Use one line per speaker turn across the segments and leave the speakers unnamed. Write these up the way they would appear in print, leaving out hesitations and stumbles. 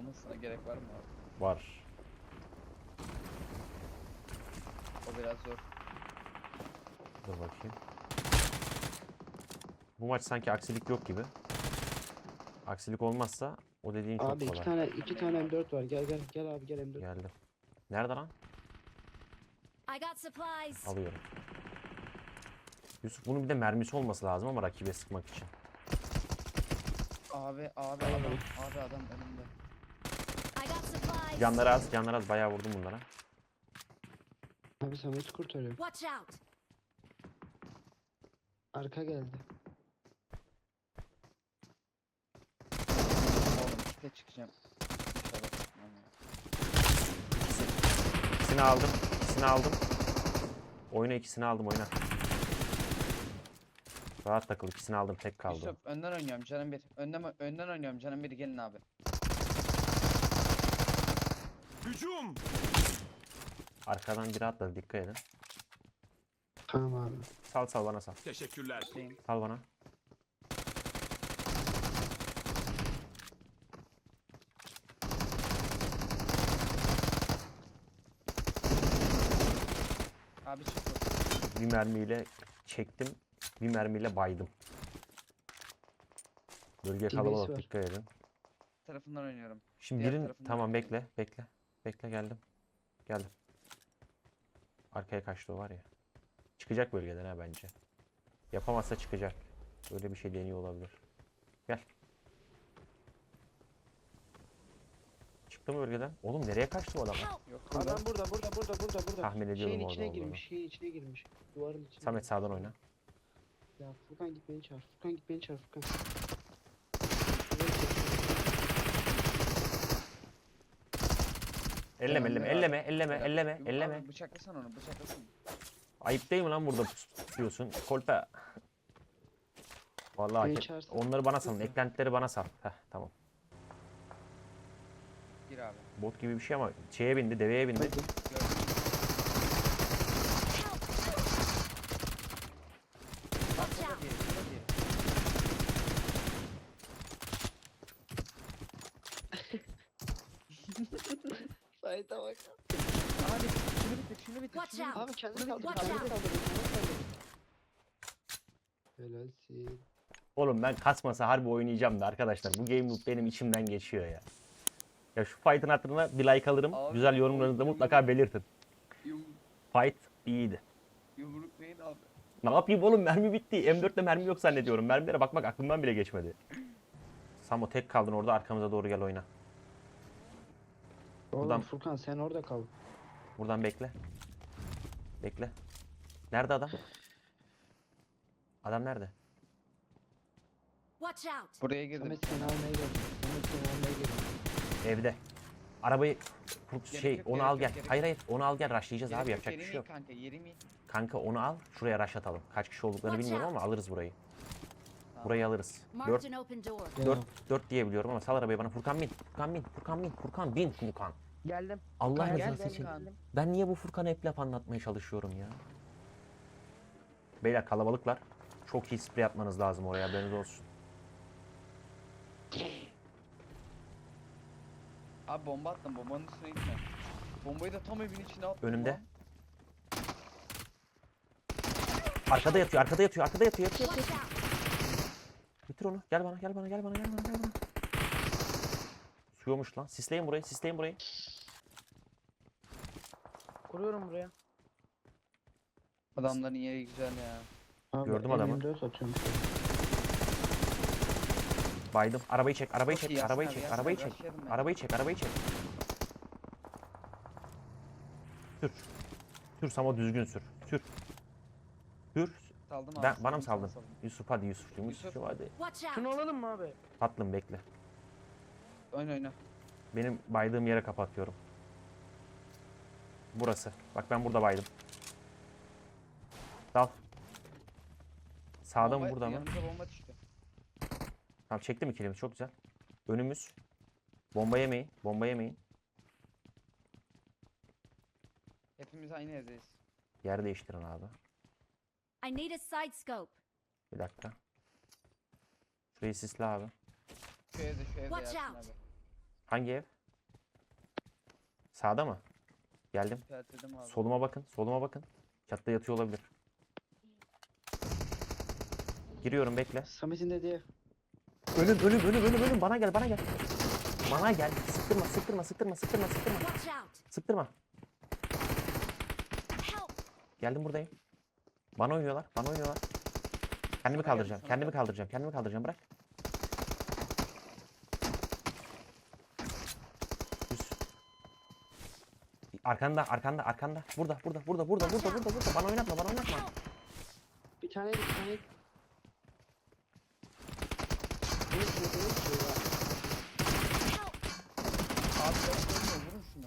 olmasına gerek var mı abi?
Var.
O biraz zor.
Dur bakayım. Bu maç sanki aksilik yok gibi. Aksilik olmazsa o dediğin çok
Abi
kolay.
iki tane M4 var. Gel abi gel M4.
Geldim. Nerede lan?
I got supplies.
Alıyorum. Yusuf bunun bir de mermisi olması lazım ama rakibe sıkmak için.
Abi adam önümde.
I got supplies.
Canları az bayağı vurdum bunlara.
Abi Samet'i kurtarıyorum.
Watch out.
Arka geldi.
Oğlum işte çıkacağım. İnşallah çıkmam ya.
İkisini aldım. Oyna ikisini aldım oyna. Rahat takıl ikisini aldım tek kaldı.
Yusuf önden oynuyorum canım bir. Önden oynuyorum canım bir, gelin abi.
Hücum!
Arkadan biri atladı dikkat edin.
Tamam abi.
Sal bana sal.
Teşekkürler.
Şeyim.
Sal bana.
Abi çıktı.
Bir mermiyle çektim. Bir mermiyle baydım. Bölge
DBS
kalabalık
var.
dikkat edin.
Tarafından oynuyorum.
Şimdi
Diğer
birin
tarafından
tamam
oynuyorum.
bekle geldim. Geldim. Arkaya kaçtı o var ya. Çıkacak bölgeden ha bence. Yapamazsa çıkacak. Böyle bir şey deniyor olabilir. Gel. Çıktı mı bölgeden? Oğlum nereye kaçtı bu adam?
Help.
Yok
Adam burada.
Tahmin ediyordum
Şeyin
orada
içine
olduğunu.
girmiş. Şeyin içine girmiş. Duvarın içine.
Samet sağdan oyna.
Ya Furkan git beni çağır. Furkan.
Elleme.
Abi bıçaklasan onu, bıçaklasana.
Ayıp değil mi lan burada tutuyorsun? Kolpe. Vallahi
Beni
hak et-
çağırsın.
onları bana salın. Eklentileri bana sal. Heh tamam.
Gir abi.
Bot gibi bir şey ama şeye bindi, deveye bindi.
Hadi.
Gördüm.
Watch
Şurada
out.
diye, şurada diye.
Sait'e bak.
Abi şunu bitir.
Watch out.
Abi kendini
Şunu
kaldır.
Watch
Kendini
out.
kaldır. Helalsin.
Oğlum ben kasmasa harbi oynayacağım da arkadaşlar. Bu game loop benim içimden geçiyor ya. Ya şu fight'ın hatırına bir like alırım.
Abi,
Güzel yorumlarınızı da mutlaka belirtin. Fight iyiydi.
Yumruklayın abi.
Ne yapayım oğlum mermi bitti. M4'te mermi yok zannediyorum. Mermilere bakmak aklımdan bile geçmedi. Samo tek kaldın orada arkamıza doğru gel oyna.
Oğlum
Buradan-
Furkan sen orada kal.
Buradan bekle. Bekle. Nerede adam? Adam nerede?
Watch out.
Buraya girdim.
Samet seni almaya geldim.
Evde. Arabayı
Gerek yok,
onu
gerek
al
yok,
gel.
gerek
Hayır onu al gel rushlayacağız
Gerek
abi
yok,
yapacak bir
yerim
şey
iyi
yok.
Kanka yerim iyi.
Kanka onu al şuraya rush atalım. Kaç kişi olduklarını
Watch
bilmiyorum
out.
ama alırız burayı.
Tamam.
Burayı alırız.
Marked an open door.
Ya.
4 diye biliyorum ama sal arabayı bana. Furkan bin. Furkan bin Furkan.
Geldim.
Allah
Furkan,
rızası
gel,
için.
gel.
Ben niye bu Furkan'a hep laf anlatmaya çalışıyorum ya? Beyler kalabalıklar. Çok iyi sprey atmanız lazım oraya haberiniz olsun.
Abi bomba attım, bombanın üstüne gitme. Bombayı da tam evin içine attım.
Önümde.
lan.
Arkada yatıyor.
Watch out.
Bitir onu. Gel bana. Suyormuş lan. Sisleyin burayı.
Kuruyorum buraya.
Adamların yeri güzel ya.
Abi,
Gördüm adamı.
M24 atıyorum.
Baydım. Arabayı çek.
Çok iyi Yasin abi, Yasin abi, başlayalım ben.
Arabayı çek. Sür Samo düzgün sür. Sür.
Saldım abi.
Bana mı
saldım,
saldın?
saldım.
Yusuf hadi Yusuf'cum hadi.
Watch out.
Şunu alalım mı abi?
Tatlım bekle.
Oyna.
Benim baydığım yere kapatıyorum. Burası. Bak ben burada baydım. Dal. Sağda mı burada mı?
Yanımıza bomba düştü.
Tamam çektim ikilimiz çok güzel. Önümüz. Bomba yemeyin.
Hepimiz aynı evdeyiz.
Yer değiştirin abi.
I need a side scope.
Bir dakika. Şurayı sisle abi.
Şu evde
Watch
Yasin
out.
abi.
Hangi ev? Sağda mı? Geldim.
İşaretledim abi.
Soluma bakın. Soluma bakın. Çatıda yatıyor olabilir. Giriyorum bekle.
Samet'in dediği ev.
Ölüm. Bana gel. Bana gel. Sıktırma.
Watch out!
Sıktırma.
Help!
Geldim buradayım. Bana oynuyorlar. Kendimi
Sana
kaldıracağım.
geldi, sana
Kendimi kaldıracağım. Bırak. Düz. Arkanda. Burada. Bana oynatma.
Bir tane bir tane.
Help!
Abi ben vurun şunu.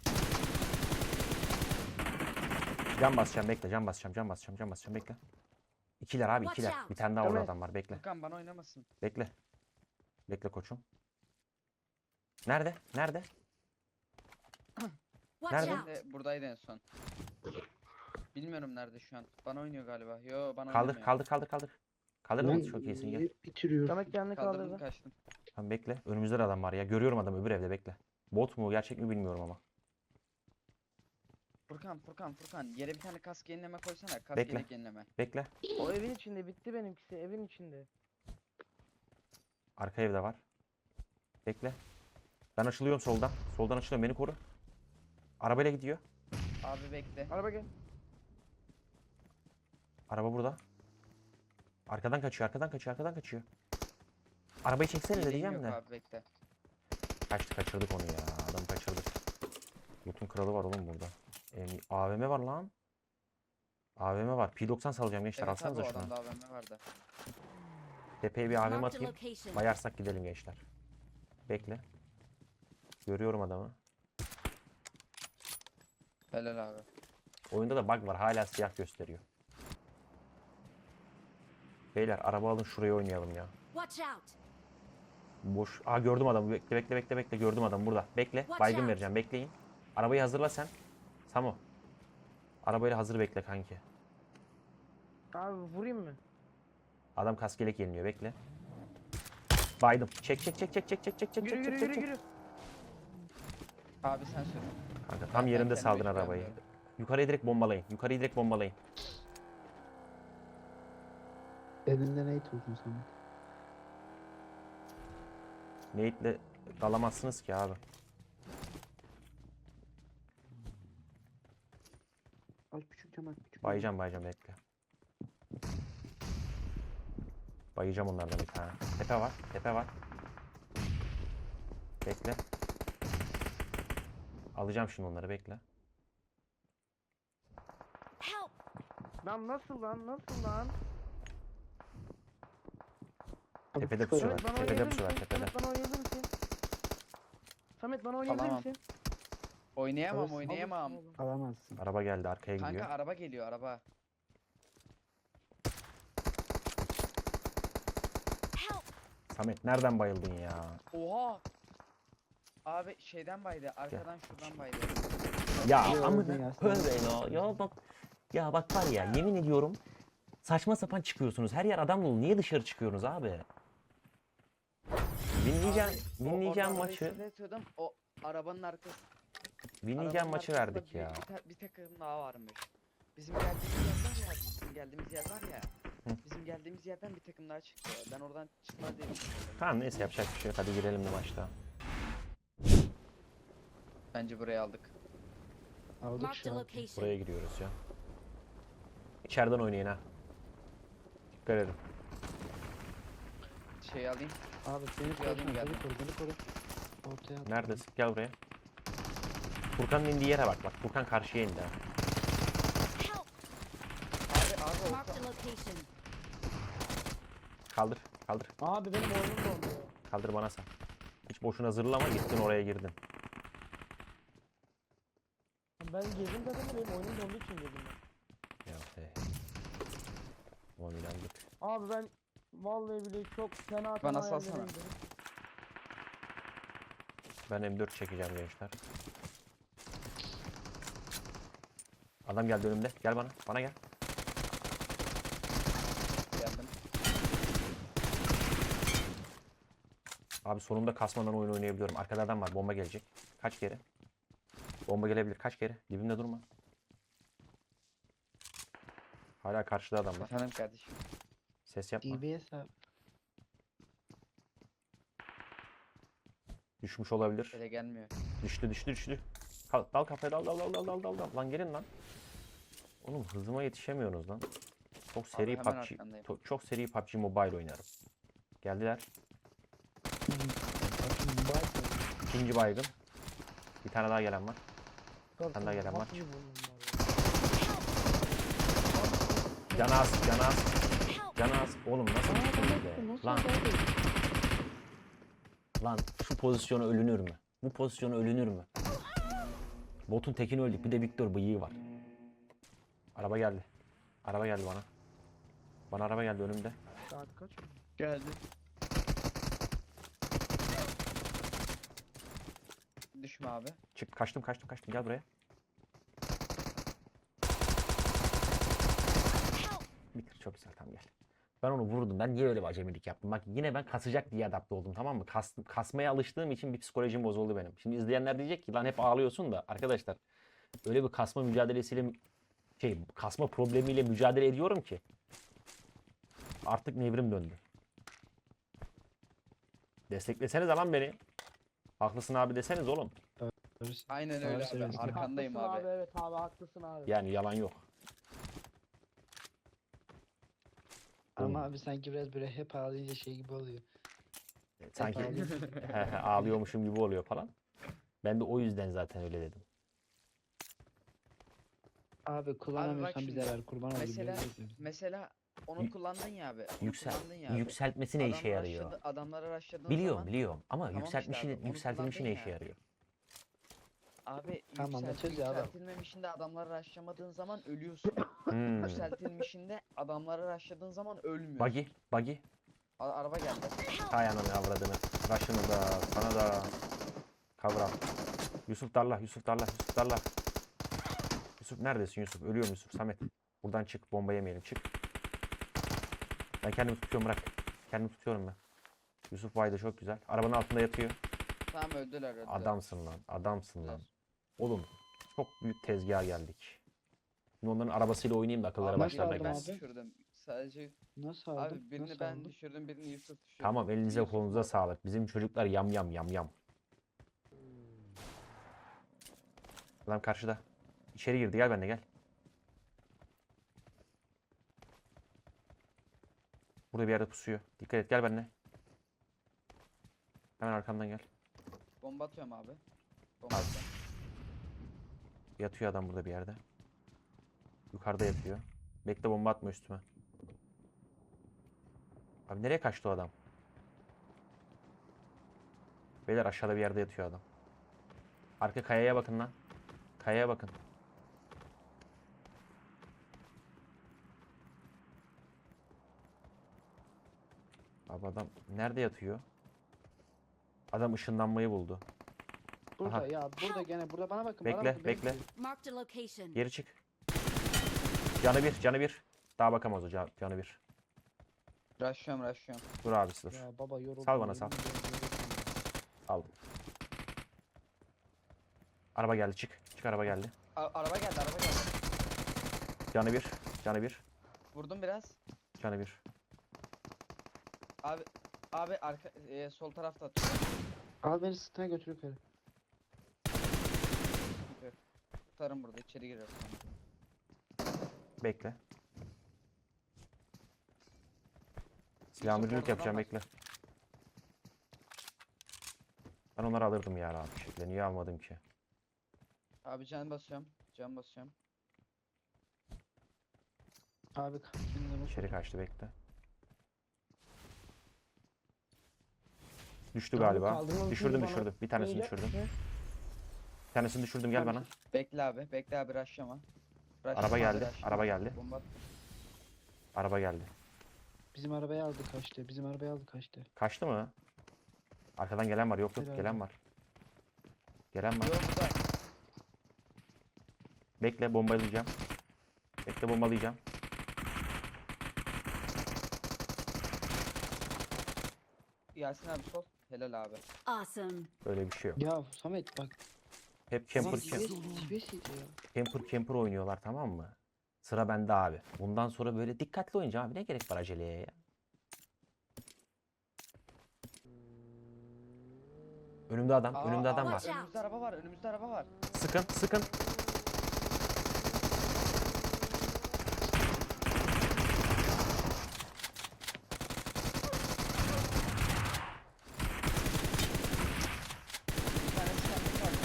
Can basacağım bekle. İkiler abi
Watch
ikiler.
out.
Bir tane daha orada
Samet.
adam var bekle.
Furkan bana oynamasın.
Bekle. Bekle koçum. Nerede?
Watch
Nerede?
out!
Buradaydı en son. Bilmiyorum nerede şu an. Bana oynuyor galiba. Yo bana
Kaldır.
oynamıyor.
Kaldırdın çok iyisin gel.
Bitiriyor.
Samet kendini
Kaldırdım
kaldırdı.
kaçtım.
Tamam bekle. Önümüzde de adam var ya. Görüyorum adamı öbür evde bekle. Bot mu gerçek mi bilmiyorum ama.
Furkan. Yere bir tane kask yenileme koysana. Kask
Bekle.
yelek yenileme.
Bekle.
O evin içinde bitti benimkisi evin içinde.
Arka evde var. Bekle. Ben açılıyorum soldan. Soldan açılıyorum beni koru. Arabayla gidiyor.
Abi bekle.
Araba gel.
Araba burada. Arkadan kaçıyor. Arabayı çeksene de
Yeleğim
diyeceğim
yok
de.
abi bekle.
Kaçırdık onu ya. Adamı kaçırdık. Loot'un kralı var oğlum burada. AVM var lan. AVM var. P90 salacağım gençler.
Evet abi
Alsanıza
o
şunu.
adamda AVM vardı.
Tepeye bir AVM
Marked a
atayım.
location.
Bayarsak gidelim gençler. Bekle. Görüyorum adamı.
Helal abi.
Oyunda da bug var. Hala siyah gösteriyor. Beyler araba alın şuraya oynayalım ya.
Watch out!
Boş. Aa gördüm adamı. Bekle. Gördüm adamı burada. Bekle.
Watch
Baygın
out.
vereceğim. Bekleyin. Arabayı hazırla sen. Samo. Arabayla hazır bekle kanki.
Abi vurayım mı?
Adam kaskelek yeniliyor. Bekle. Baydım. Çek.
Yürü.
Abi sen sür.
Kanka tam
Ben
yerinde
kendime
saldın
hiç
arabayı.
beğenmiyorum.
Yukarıya direkt bombalayın.
Elinde ne buldun Samet?
Nate'le dalamazsınız ki abi.
Al küçük cam al küçük.
Bayacağım bekle. Bayacağım onlardan bir tane. Tepe var. Bekle. Alacağım şimdi onları bekle.
Help!
Lan nasıl lan?
Abi
Tepede
küçük
pusuyorlar.
adam.
Samet bana
Tepede
oynayabilir
pusuyorlar
misin?
tepede.
Samet bana oynayabilir misin? Samet bana oynayabilir
Alamam.
misin?
Oynayamam
Alırsın.
oynayamam.
Alamazsın.
Araba geldi arkaya gidiyor.
Kanka araba geliyor araba.
Help!
Samet nereden bayıldın ya?
Oha. Abi şeyden baydı. Arkadan şuradan baydı.
Ya
Yo,
amına
ya,
koyayım ya bak. Ya bak var ya yemin ediyorum saçma sapan çıkıyorsunuz. Her yer adam dolu. Niye dışarı çıkıyorsunuz abi? Winleyeceğim
Oradan
maçı.
reset atıyordum, o arabanın arkası.
Winleyeceğim
arabanın
maçı
arkasında
verdik ya.
Bir takım daha varmış. Bizim geldiğimiz yer var ya.
Hı.
Bizim geldiğimiz yerden bir takım daha çıktı. Ben oradan çıkmaz diye düşünüyorum.
Tamam neyse yapacak bir şey yok. Hadi girelim de maçta.
Bence burayı aldık.
Aldık
Marked
şu
a
an.
location.
Buraya giriyoruz ya. İçeriden oynayın ha. Dikkat edin.
Şey alayım.
Abi beni koru.
Geldim, geldim.
Beni koru. Ortaya at.
Neredesin? Gel buraya. Furkan'ın indiği yere bak. Bak Furkan karşıya indi ha.
Help!
Abi
Marked a location.
Kaldır.
Abi benim oyunum dondu ya.
Kaldır bana sen. Hiç boşuna zırlama gittin oraya girdin.
Ben girdim zaten de benim oyunum donduğu için girdim ben.
Ya Ulan inandık.
Abi ben vallahi bile çok fena
Bana salsana.
hayallereydim.
Ben M4 çekeceğim gençler. Adam geldi önümde. Gel bana. Bana gel.
geldim.
Abi sonunda kasmadan oyun oynayabiliyorum. Arkada adam var. Bomba gelecek. Kaç geri. Bomba gelebilir. Kaç kere? Dibimde durma. Hala karşıda adamlar.
Efendim kardeşim.
Ses yapma.
DBS abi.
Düşmüş olabilir.
Böyle gelmiyor.
Düştü. Dal kafaya dal. Lan gelin lan. Oğlum hızıma yetişemiyorsunuz lan. Çok seri
hemen
PUBG.
arkandayım.
Çok seri PUBG Mobile oynarım. Geldiler. İkinci baygın. Bir tane daha gelen var.
Dört
daha gelen var.
nasıl bir bunun var ya?
Canaz.
Help!
Canaz. Oğlum nasıl düştünüz be? Lan şu pozisyona ölünür mü? Bu pozisyona ölünür mü? Botun tekini öldük. Bir de Victor bıyığı var. Araba geldi. Araba geldi bana. Bana araba geldi önümde.
Saat kaç?
Geldi. Düşme abi.
Çık kaçtım. Gel buraya.
Help!
Bitir çok güzel tamam gel. Ben onu vurdum. Ben niye öyle bir acemilik yaptım? Bak yine ben kasacak diye adapte oldum tamam mı? Kasmaya alıştığım için bir psikolojim bozuldu benim. Şimdi izleyenler diyecek ki lan hep ağlıyorsun da arkadaşlar öyle bir kasma mücadelesiyle kasma problemiyle mücadele ediyorum ki artık nevrim döndü. Destekleseniz lan beni. Haklısın abi deseniz oğlum.
Aynen
Doğru
öyle abi.
söylüyorsun.
Arkandayım
Haklısın
abi.
Evet abi haklısın abi.
Yani yalan yok.
Ama abi sanki biraz böyle hep ağlayınca şey gibi oluyor.
Sanki
ağlıyorsun.
ağlıyormuşum gibi oluyor falan. Ben de o yüzden zaten öyle dedim.
Abi kullanamıyorsan
şimdi,
bize ver kurban olayım.
mesela-
böyle yapıyorsun.
Mesela onu
Yük-
kullandın ya abi. Onu
Yüksel,
kullandın ya abi.
yükseltmesi ne işe yarıyor?
Adamları rushladığın
Biliyorum
zaman
ama
Tamam işte abi, onu
yükseltilmişi ne
kullandın
işe
ya.
yarıyor?
abi
Tamam, açıyoruz ya adam.
yükseltilmemişinde adamları rushlamadığın zaman ölüyorsun.
Hmm.
Yükseltilmişinde adamları rushladığın zaman ölmüyorsun.
Buggy.
Araba geldi.
Hay ananı avradını. Başını da, sana da. Kavram. Yusuf darla. Yusuf neredesin Yusuf? Ölüyorum Yusuf. Samet. Buradan çık. Bomba yemeyelim. Çık. Ben kendimi tutuyorum bırak. Kendimi tutuyorum ben. Yusuf Vayda çok güzel. Arabanın altında yatıyor.
Tamam öldüler.
Adamsın lan. Oğlum çok büyük tezgaha geldik. Şimdi onların arabasıyla oynayayım da akıllara
Abi,
başlarına
aldım
ben
gelsin.
abi?
düşürdüm. Sadece
Nasıl aldın?
abi birini
Nasıl
ben
aldın?
düşürdüm, birini Yusuf düşürdü.
Tamam elinize
Yusuf
kolunuza
var.
sağlık. Bizim çocuklar yam. Adam karşıda. İçeri girdi gel benimle gel. Burada bir yerde pusuyor. Dikkat et gel benimle. Hemen arkamdan gel.
Bomba atıyorum abi. Bomba
Abi.
atıyorum.
Yatıyor adam burada bir yerde. Yukarıda yatıyor. Bekle bomba atma üstüme. Abi nereye kaçtı o adam? Beyler aşağıda bir yerde yatıyor adam. Arka kayaya bakın lan. Kayaya bakın. Abi adam nerede yatıyor? Adam ışınlanmayı buldu.
Burada
Aha.
ya burada gene burada bana bakın. bana
Bekle
bakın,
bekle.
Marked a location.
Geri çık. Canı bir. Daha bakamaz o canı bir.
Rushlıyorum.
Dur abisi dur.
Ya baba yoruldum.
Sal bana,
yemin
sal.
ediyorum, yoruldum ya.
Aldım. Araba geldi çık. Çık araba geldi.
Araba geldi.
Canı bir.
Vurdum biraz.
Canı bir.
Abi arka sol tarafta atıyor.
Al beni sırtına götür yukarı.
Tutarım burada içeri gireriz sonra.
Bekle. Silahı müdürlük
oradan
yapacağım
bak.
bekle. Ben onları alırdım ya rahat bir şekilde. Niye almadım ki?
Abi can basıyorum.
Abi kendine bak.
İçeri kaçtı bekle. Düştü
Abi
galiba.
kaldırmanın
Düşürdüm
bana
Bir tanesini
böyle-
düşürdüm. Bir tanesini düşürdüm gel bana.
Bekle abi rushlama.
Araba geldi. Araba geldi.
Bomba at.
Araba geldi.
Bizim arabayı aldı kaçtı. Bizim arabayı aldı kaçtı.
Kaçtı mı? Arkadan gelen var. Yok
Herhalde.
gelen var. Gelen var.
Yok burada.
Bekle bombalayacağım.
Yasin abi sol. Helal abi.
Awesome.
Böyle bir şey yok.
Ya Samet bak.
Hep camper,
Ulan
camper,
TBS'iydi ya.
camper oynuyorlar, tamam mı? Sıra bende abi. Bundan sonra böyle dikkatli oynayacağım abi. Ne gerek var aceleye ya? Önümde adam, önümde adam var.
Watch out.
Önümüzde araba var, önümüzde araba var.
Sıkın, sıkın.
Bir tane sıkıntı var.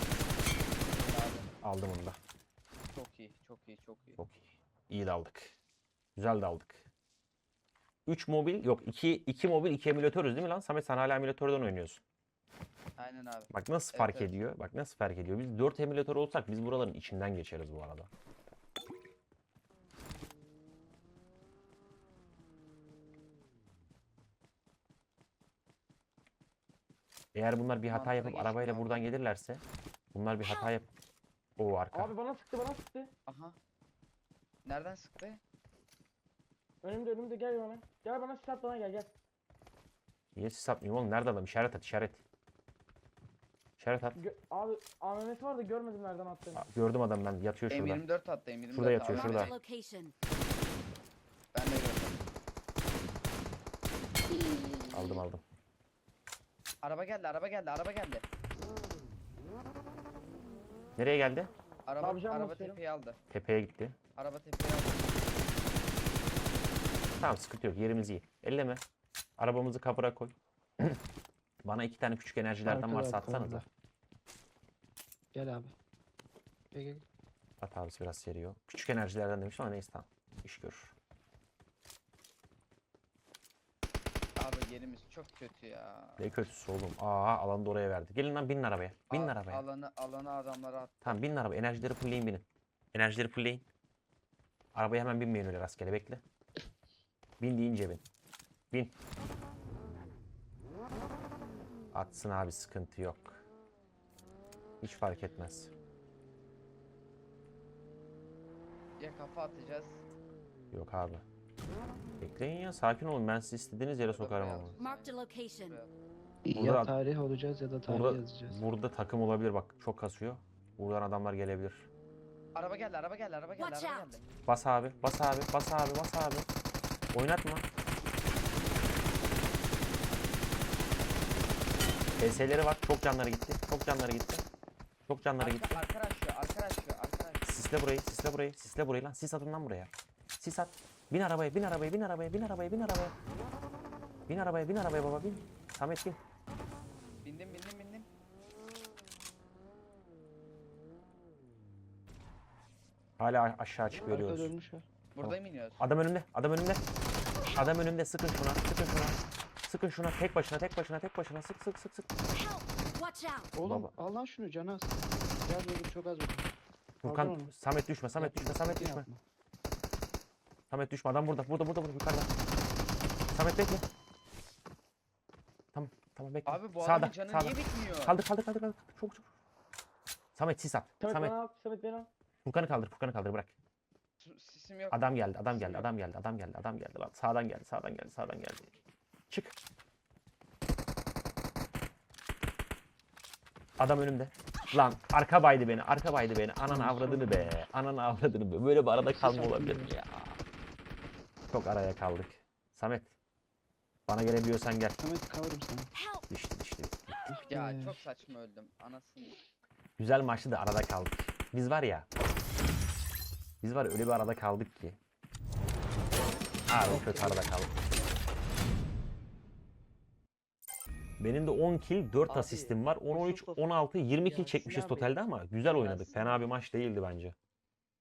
Abi,
Aldım onu da.
çok iyi, çok iyi, çok iyi.
Çok iyi. İyi daldık. Güzel daldık. 3 mobil, yok 2 mobil 2 emülatörüz değil mi lan? Samet sen hala emülatörden oynuyorsun.
Aynen abi.
Bak nasıl
Evet,
fark
evet.
ediyor? Bak nasıl fark ediyor? Biz 4 emülatör olsak biz buraların içinden geçeriz bu arada. Eğer bunlar bir hata
Mantıklı
yapıp
geçti
arabayla
abi.
buradan gelirlerse, bunlar bir hata yap. O arka.
Abi bana sıktı bana sıktı.
Aha. Nereden sıktı?
Önümde gel bana. Gel bana silah bana gel.
Niye siz satmıyorum oğlum? Nerede adam? İşaret at, işaret. İşaret at.
Abi AMM'si var da görmedim nereden attığını.
Gördüm adam, ben yatıyor şurada.
M24 attı, M24
Şurada yatıyor,
abi.
şurada.
Marked a location.
Ben de gördüm.
Aldım.
Araba geldi, araba geldi, araba geldi.
Nereye geldi?
Araba,
Abi, can
araba
basıyorum.
tepeyi aldı.
Tepeye gitti.
Araba tepeyi aldı.
Tamam, sıkıntı yok, yerimiz iyi. Elleme. Arabamızı kapıra koy. Bana 2 tane küçük enerjilerden
Arkada,
varsa
arkada.
atsanıza.
Gel abi. Gel.
At abisi, biraz seriyor. Küçük enerjilerden demiş ama neyse, tamam. İş görür.
Abi yerimiz çok kötü ya.
Ne kötüsü oğlum. Aa, alanı da oraya verdi. Gelin lan, binin arabaya. Binin arabaya.
Alanı adamlara attı.
Tamam, binin arabaya. Enerjileri fullleyin, binin. Enerjileri fullleyin. Arabaya hemen binmeyin öyle rastgele, bekle. Bin deyince bin. Bin. Atsın abi, sıkıntı yok. Hiç fark etmez.
Ya kafa atacağız.
Yok abi. Bekleyin ya, sakin olun. Ben sizi istediğiniz yere sokarım ama.
Marked a location.
Burada-
Ya tarih olacağız ya da tarih
Burada,
yazacağız.
burada takım olabilir, bak çok kasıyor. Buradan adamlar gelebilir.
Araba geldi, araba geldi, araba geldi,
Watch
araba
out.
geldi.
Bas abi, bas abi, bas abi, bas abi. Oynatma. PS'leri var, çok canları gitti, çok canları gitti. Çok canları gitti.
Arkadaş.
Sisle burayı, sisle burayı, sisle burayı lan. Sis atın lan buraya. Sis at. Bin arabaya, bin arabaya, bin arabaya, bin arabaya, bin arabaya. Bin arabaya, bin arabaya baba, bin. Samet bin.
Bindim.
Hala aşağı çık
Arkada
veriyoruz.
ölmüş var.
Buradayım iniyoruz.
Adam önümde, adam önümde. Adam önümde, sıkın şuna, sıkın şuna. Sıkın şuna, tek başına, sık.
Help! Watch out!
Oğlum
Baba.
al lan şunu canı az. Biraz vurdum çok az vurdum.
Furkan,
onu.
Samet düşme, Samet düşme, Samet düşme.
Yapma.
Samet düşme, adam burada, yukarıda. Samet bekle. Tamam bekle.
Abi bu
Sağda,
adamın canı
sağda.
niye bitmiyor?
Kaldır. Çok. Samet sis at.
Samet
Samet.
bana al. Samet beni al.
Furkan'ı kaldır bırak.
Sisim yok.
Adam geldi. Lan sağdan geldi. Çık. Adam önümde. Lan arka baydı beni. Ananı avradını be. Böyle bir arada kalma olabilir mi ya? Çok araya kaldık. Samet. Bana gelebiliyorsan gel.
Samet kavurum sana.
Help!
Düştü.
Ya çok saçma öldüm. Anasını.
Güzel maçtı da arada kaldık. Biz var ya öyle bir arada kaldık ki. Abi kötü arada kaldık. Benim de 10 kill 4
Abi,
asistim var. 10, 13,
Yusuf,
16, 20 kill
Yasin
çekmişiz
abi,
totalde ama güzel oynadık.
Yasin
Fena bir maç değildi bence.